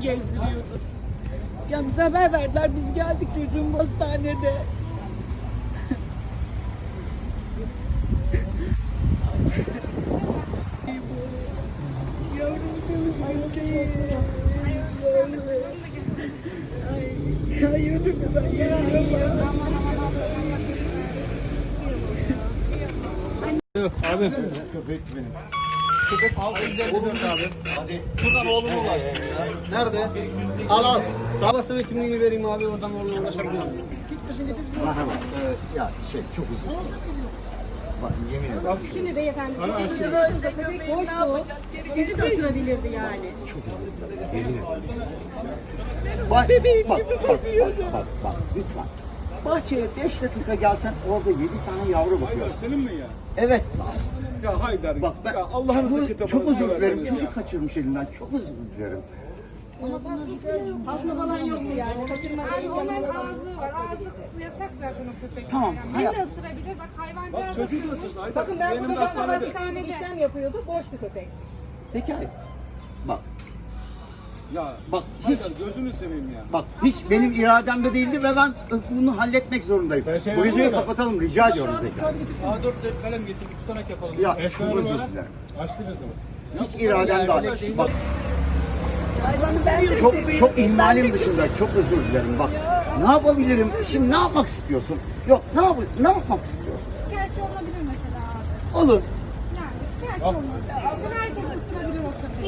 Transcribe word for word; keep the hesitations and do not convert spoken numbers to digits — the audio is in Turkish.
gezdiriyordu. Ya bize haber verdiler, biz geldik, çocuğum hastanede. Yavrum canım benim. Ay, ay yürü güzel ya. Abi. Köpek benim. Köpek altı yüz elli dört abi. Hadi. Buradan oğluma ulaşsın ya. Nerede? Al al. Babasının kimliğini vereyim abi, oradan oğluna ulaşabilirim. Merhaba. Ee, ya şey çok uzun. Bak yemin ederim. Şimdi beyefendi, Ana, köpek şimdi- dışında köpek boştu. Bizi de ısırabilirdi yani. Yemin ederim. Bak, Bebeğim bak, gibi bak, bakıyordu. bak, bak, bak, lütfen. Bahçeye beş dakika gelsen orada yedi tane yavru bakıyor. Senin mi ya? Evet. Ya Haydar. Bak ben ya Allah'ınızı bu- kitabını çok özür dilerim. severseniz ya. Çocuk kaçırmış elinden. Çok özür dilerim. Tasma falan yoktu yani. Kaçırmadı. Ay onların ağzı var. Ağzı yasak zaten o köpek. Tamam, Yani hayat- beni de ısırabilir. Bak hayvancağız. Bak çocuğu da ısırsın Haydar. Bakın ben bu Benim de köpekle hastanede. hastanede işlem yapıyordu. Boş bir köpek. Zekai. Bak, Ya Bak, Haydar hiç- gözünü seveyim ya. bak hiç benim irademde değildi ve ben bunu halletmek zorundayım. şey Bu videoyu yapayım mı? kapatalım rica ediyorum Zekai. A dört kalem getir, bir tutanak yapalım. Ya Eşya çok özür numara. dilerim. Açtı gözümü. Hiç iradem dahil. Bak Hayvanı ben de çok seviyorum. çok ihmalim dışında çok özür dilerim. Bak ne yapabilirim? Şimdi ne yapmak istiyorsun? Yok ne yap ne yapmak istiyorsun? Şikayetçi olabilir mesela abi. Olur. Yani şikayetçi olabilir. Bunu herkes ısırabilir